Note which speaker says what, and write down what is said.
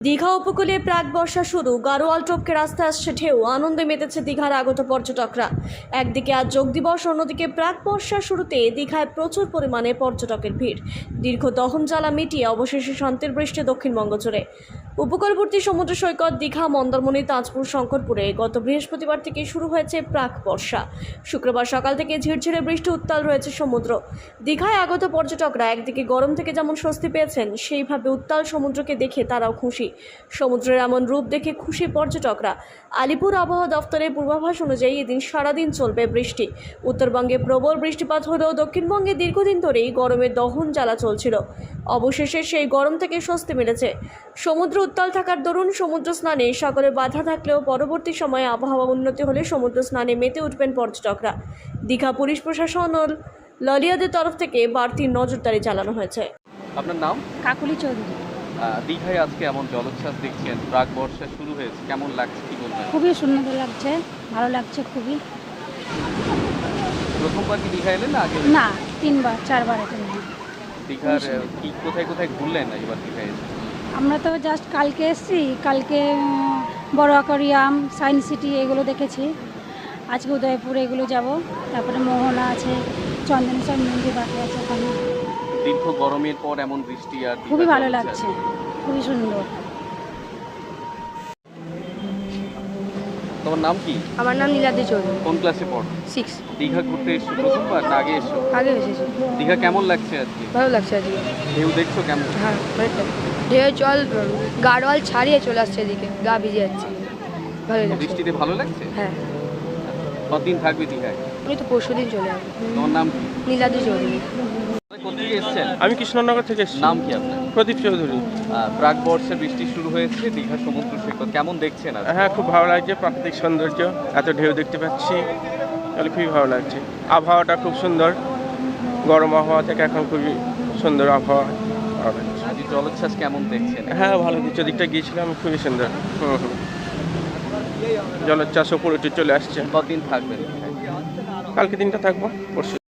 Speaker 1: দীঘা উপকূলে প্রাক বর্ষা শুরু, গাড়োয়াল টপকে রাস্তায় আসছে ঢেউ, আনন্দে মেতেছে দীঘার আগত পর্যটকরা। একদিকে আজ যোগ দিবস, অন্যদিকে প্রাক বর্ষার শুরুতে দীঘায় প্রচুর পরিমাণে পর্যটকের ভিড়। দীর্ঘ দহন জ্বালা মিটিয়ে অবশেষে শান্তির বৃষ্টি দক্ষিণবঙ্গ জুড়ে। উপকূলবর্তী সমুদ্র সৈকত দীঘা, মন্দারমণি, তাজপুর, শঙ্করপুরে গত বৃহস্পতিবার থেকে শুরু হয়েছে প্রাক বর্ষা। শুক্রবার সকাল থেকে ঝিরঝিরে বৃষ্টি, উত্তাল রয়েছে সমুদ্র। দীঘায় আগত পর্যটকরা একদিকে গরম থেকে যেমন স্বস্তি পেয়েছেন, সেইভাবে উত্তাল সমুদ্রকে দেখে তারাও খুশি। সমুদ্রের এমন রূপ দেখে খুশি পর্যটকরা। আলিপুর আবহাওয়া দফতরের পূর্বাভাস অনুযায়ী এদিন সারাদিন চলবে বৃষ্টি। উত্তরবঙ্গে প্রবল বৃষ্টিপাত হলেও দক্ষিণবঙ্গে দীর্ঘদিন ধরেই গরমের দহন জ্বালা চলছিল। অবশেষে সেই গরম থেকে স্বস্তি মিলেছে। সমুদ্র উত্তাল থাকার দরুন সমুদ্র স্নানে সকলে বাধা থাকলেও পরবর্তী সময়ে আবহাওয়া উন্নতি হলে সমুদ্র স্নানে মেতে উঠবেন পর্যটকরা। দীঘা পুলিশ প্রশাসন ও ললিয়াদের তরফ থেকে বাড়তি নজরদারি চালানো হয়েছে।
Speaker 2: আপনার নাম?
Speaker 3: কাকুলি চৌধুরী।
Speaker 2: দীঘায় আজকে এমন জলোচ্ছ্বাস দেখছেন, প্রাক বর্ষা শুরু হয়েছে, কেমন লাগছে, কি বলবেন?
Speaker 3: খুবই সুন্দর লাগছে, ভালো লাগছে খুবই।
Speaker 2: প্রথমবার কি দীঘা এলেন না আগে?
Speaker 3: না, 3বার 4বার এখানে।
Speaker 2: দীঘার কি কোথায় কোথায় ঘুরলেন এবার দীঘায় এসে?
Speaker 3: আমরা তো জাস্ট কালকে এসেছি, কালকে বড় অ্যাকোয়ারিয়াম, সায়েন্স সিটি এগুলো দেখেছি। আজকে উদয়পুর এগুলো যাব, তারপরে মোহনা আছে, চন্দনেশ্বর মন্দির বাকি আছে ওখানে।
Speaker 2: দীর্ঘ গরমের পর এমন বৃষ্টি আর
Speaker 3: খুবই
Speaker 2: দীঘার
Speaker 3: ভালো
Speaker 2: জলোচ্ছ্বাস।
Speaker 3: লাগছে, খুবই সুন্দর।
Speaker 2: তোমার নাম কি?
Speaker 4: আমার নাম নীলাদ্রি চৌধুরী,
Speaker 2: কোন ক্লাসে পড়ো?
Speaker 4: 6।
Speaker 2: দীঘা ঘুরতে এসছো প্রথমবার না আগে এসছো?
Speaker 4: আগে এসেছি,
Speaker 2: দীঘা কেমন লাগছে আজকে?
Speaker 4: ভালো লাগছে আজকে।
Speaker 2: ঢেউ দেখছো কেমন?
Speaker 4: হ্যাঁ, অনেকটা ঢেউ জল গাড়োয়াল ছাড়িয়ে চলে আসছে এদিকে, গা ভিজে যাচ্ছে। ভালো লাগছে।
Speaker 2: বৃষ্টিতে ভালো লাগছে?
Speaker 4: হ্যাঁ,
Speaker 2: কতদিন থাকবে দীঘায়?
Speaker 4: আমি তো পরশুদিন চলে আসবো।
Speaker 2: তোমার নাম কি?
Speaker 4: নীলাদ্রি চৌধুরী।
Speaker 2: কোথেকে এসছেন?
Speaker 5: আমি কৃষ্ণনগর থেকে এসেছি।
Speaker 2: নাম কি আপনার?
Speaker 5: প্রদীপ চৌধুরী।
Speaker 2: প্রাক বর্ষার বৃষ্টি শুরু হয়েছে, দীঘা সমুদ্র সৈকত কেমন দেখছেন আজ?
Speaker 5: হ্যাঁ, খুব ভালো লাগছে, প্রাকৃতিক সৌন্দর্য, এত ঢেউ দেখতে পাচ্ছি, তাহলে খুবই ভালো লাগছে। আবহাওয়াটা খুব সুন্দর, গরম আবহাওয়া থেকে এখন খুবই সুন্দর আবহাওয়া। ভালো লাগছে।
Speaker 2: আজ জলোচ্ছ্বাস কেমন দেখছেন?
Speaker 5: হ্যাঁ, ভালো দিচ্ছে, দিকটা গিয়েছিলাম, খুবই সুন্দর। জলোচ্ছ্বাস উপরে উঠে চলে আসছে।
Speaker 2: কতদিন থাকবেন?
Speaker 5: কালকে দিনটা থাকবো, পরশু